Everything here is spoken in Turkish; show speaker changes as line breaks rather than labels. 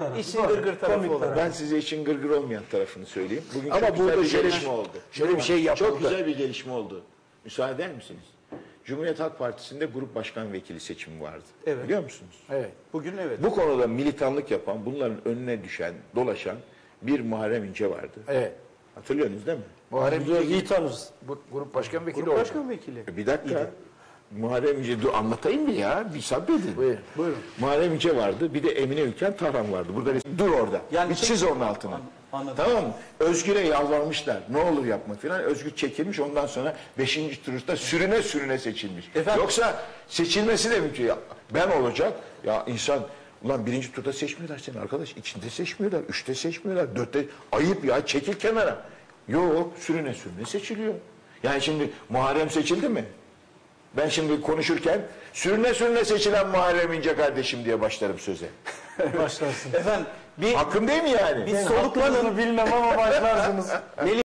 İşin gırgır tarafı olarak.
Ben size işin gırgır olmayan tarafını söyleyeyim. Bugün
Ama
çok güzel
burada
bir
şöyle-
gelişme oldu.
şöyle bir şey yapıldı.
Çok güzel bir gelişme oldu. Müsaade eder misiniz? Cumhuriyet Halk Partisi'nde grup başkan vekili seçimi vardı.
Evet.
Biliyor musunuz?
Evet.
Bugün evet.
Bu konuda militanlık yapan, bunların önüne düşen, dolaşan bir Muharrem İnce vardı.
Evet.
Hatırlıyorsunuz değil mi?
Muharrem
Biz
İnce
iyi tanırız.
grup başkan vekili
Grup
oldu.
başkan vekili.
Bir dakika. Muharrem İnce, dur anlatayım mı ya? Bir sabredin.
Buyurun.
Buyurun.
Muharrem İnce vardı. Bir de Emine Ülken Tarhan vardı. Burada dur orada.
Yani
bir çiz onun altına.
Anladım.
Tamam mı? Özgür'e yalvarmışlar. Ne olur yapma filan. Özgür çekilmiş. Ondan sonra 5. turda sürüne seçilmiş.
Efendim?
Yoksa seçilmesi de mümkün. Ya, ben olacak. Ya insan ulan 1. turda seçmiyorlar seni arkadaş. İçinde seçmiyorlar. 3'te seçmiyorlar. 4'te. Ayıp ya. Çekil kenara. Yok. Sürüne seçiliyor. Yani şimdi Muharrem seçildi mi? Ben şimdi konuşurken sürüne seçilen Muharrem İnce kardeşim diye başlarım söze.
Başlarsın. Efendim bir
Hakkım değil mi yani?
soluklanın.
Bilmem ama başlarsınız.